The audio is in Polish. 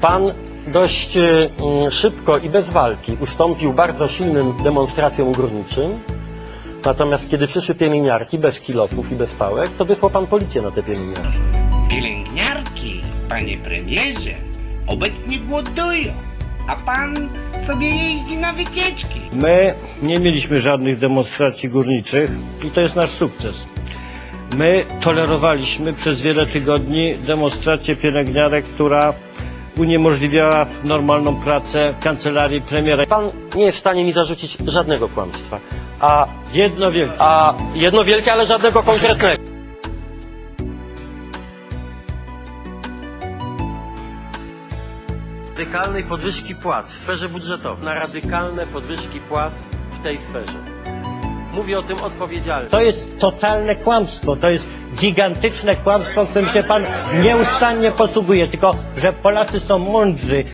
Pan dość szybko i bez walki ustąpił bardzo silnym demonstracjom górniczym, natomiast kiedy przyszły pielęgniarki bez kilofów i bez pałek, to wysłał pan policję na te pielęgniarki. Pielęgniarki, panie premierze, obecnie głodują, a pan sobie jeździ na wycieczki. My nie mieliśmy żadnych demonstracji górniczych i to jest nasz sukces. My tolerowaliśmy przez wiele tygodni demonstrację pielęgniarek, która uniemożliwiała normalną pracę w kancelarii premiera. Pan nie jest w stanie mi zarzucić żadnego kłamstwa. Jedno wielkie. Ale żadnego konkretnego. Radykalnej podwyżki płac w sferze budżetowej. Na radykalne podwyżki płac w tej sferze. Mówię o tym odpowiedzialnie. To jest totalne kłamstwo, to jest gigantyczne kłamstwo, którym się pan nieustannie posługuje, tylko że Polacy są mądrzy.